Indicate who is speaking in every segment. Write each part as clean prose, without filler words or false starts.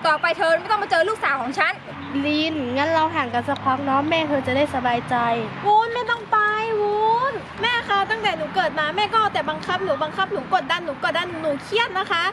Speaker 1: ต่อไปเธอไม่ต้องมาเจอลูกสาวของฉัน
Speaker 2: ลินงั้นเราห่างกันสักพักเนาะแม่เธอจะได้สบายใจ
Speaker 3: วุ้นไม่ต้องไปวุ้นแม่คะตั้งแต่หนูเกิดมาแม่ก็เอาแต่บังคับหนูกดดันหนูเครียดนะคะ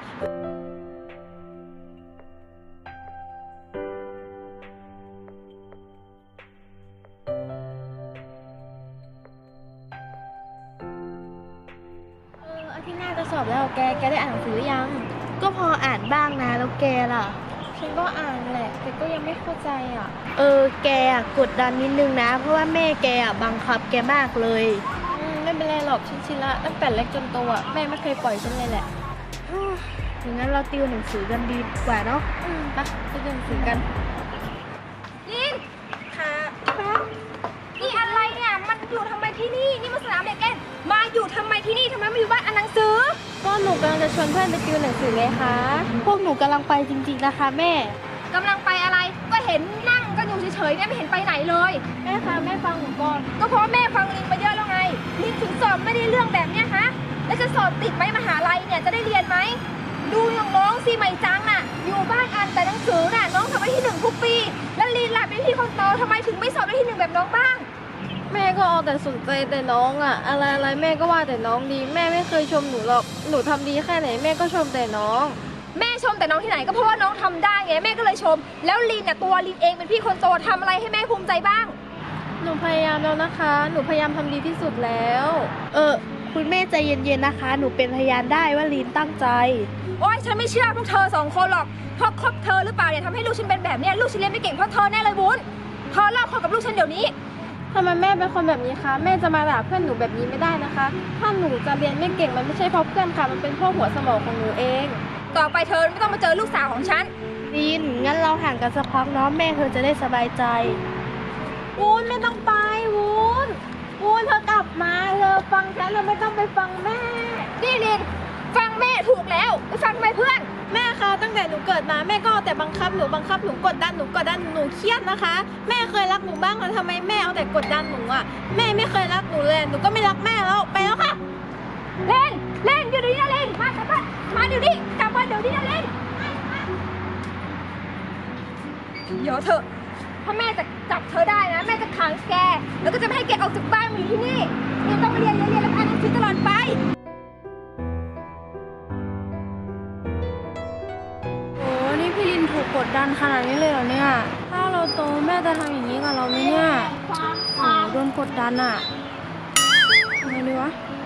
Speaker 3: อาทิตย์หน้าจะสอบแล้วแกได้อ่านหนังสือยัง
Speaker 2: ก็พออ่านบ้างนะแล้วแกล่ะ
Speaker 3: ฉันก็อ่านแหละแต่ก็ยังไม่เข้าใจอ่ะ
Speaker 2: แกกดดันนิดนึงนะเพราะว่าแม่แกบังคับแกมากเลย
Speaker 3: ไม่เป็นไรหรอกฉันชินละตั้งแต่เล็กจนโตอ่ะแม่ไม่เคยปล่อยฉันเลยแหละ
Speaker 2: อย่างนั้นเราติวหนังสือกันดีกว่าเนาะ
Speaker 3: ไปดูหนังสือกัน
Speaker 1: ลิน
Speaker 3: ค่ะ
Speaker 1: นี่อะไรเนี่ยมันอยู่ทำไมที่นี่นี่มันสนามเด็กเล่นมาอยู่ทำไมที่นี่ทำไมมาอยู่บ้านอ่านหนังสือ
Speaker 3: ก็หนูกำลังจะชวนเพื่อนไปติวหนังสือไงคะ
Speaker 2: พวกหนูกำลังไปจริงๆนะคะแม่
Speaker 1: กำลังไปอะไรก็เห็นนั่งกันอยู่เฉยๆเนี่ยไม่เห็นไปไหนเลย
Speaker 3: แม่คะแม่ฟังหนูก่อน
Speaker 1: ก็เพราะแม่ฟังลินมาเยอะแล้วไงลินถึงสอบไม่ได้เรื่องแบบเนี้ยฮะแล้วจะสอบติดไหมมหาลัยเนี่ยจะได้เรียนไหมดูน้องสิใหม่จังน่ะอยู่บ้านอ่านแต่หนังสือน่ะน้องทำได้ที่1ทุกปีแล้วลินล่ะเป็นพี่คนโตทำไมถึงไม่สอบได้ที่1แบบน้องบ้าง
Speaker 3: แม่ก็เอาแต่สนใจแต่น้องอะอะไรแม่ก็ว่าแต่น้องดีแม่ไม่เคยชมหนูหรอกหนูทำดีแค่ไหนแม่ก็ชมแต่น้อง
Speaker 1: แม่ชมแต่น้องที่ไหนก็เพราะว่าน้องทำได้ไงแม่ก็เลยชมแล้วลินน่ะตัวลินเองเป็นพี่คนโตทำอะไรให้แม่ภูมิใจบ้าง
Speaker 3: หนูพยายามแล้วนะคะหนูพยายามทำดีที่สุดแล้ว
Speaker 2: คุณแม่ใจเย็นๆนะคะหนูเป็นพยานได้ว่าลินตั้งใจ
Speaker 1: โอ๊ยฉันไม่เชื่อพวกเธอ2คนหรอกเพราะคบเธอหรือเปล่าเนี่ยทำให้ลูกฉันเป็นแบบเนี้ยลูกฉันเรียนไม่เก่งเพราะเธอแน่เลยวุ้นเธอเลิกคบกับลูกฉันเดี๋ยวนี้
Speaker 3: ทำไมแม่เป็นคนแบบนี้คะแม่จะมาด่าเพื่อนหนูแบบนี้ไม่ได้นะคะถ้าหนูจะเรียนไม่เก่งมันไม่ใช่เพราะเพื่อนค่ะมันเป็นเพราะหัวสมองของหนูเอง
Speaker 1: ต่อไปเธอไม่ต้องมาเจอลูกสาวของฉัน
Speaker 2: ลินงั้นเราห่างกันสักพักเนาะแม่เธอจะได้สบายใจ
Speaker 3: วุ้นไม่ต้องไปวุ้นเธอกลับมาเธอฟังฉันเราไม่ต้องไปฟังแม่
Speaker 1: นี่ลินฟังแม่ถูกแล้วไปฟังทำไมเพื่อน
Speaker 3: แม่คะตั้งแต่หนูเกิดมาแม่ก็เอาแต่บังคับหนูกดดันหนูเครียดนะคะแม่เคยรักหนูบ้างแล้วทำไมแม่เอาแต่กดดันหนูอ่ะแม่ไม่เคยรักหนูเลยหนูก็ไม่รักแม่แล้วไปแล้วค่ะ
Speaker 1: เล่นอยู่เดี๋ยวนี้นะเล่นมากลับบ้านมาเดี๋ยวนี้กลับบ้านเดี๋ยวนี้นะเล่นเดี๋ยวเถอะถ้าแม่จะจับเธอได้นะแม่จะขังแกแล้วก็จะไม่ให้แกออกจากบ้านมาอยู่ที่นี่ยังต้องมาเรียนแล้วอ่านหนังสือตลอดไป
Speaker 3: นี่พี่ลินถูกกดดันขนาดนี้เลยเหรอเนี่ยถ้าเราโตแม่จะทำอย่างนี้กับเราไหมเนี่ยโดนกดดันอ่ะทำไงดีวะ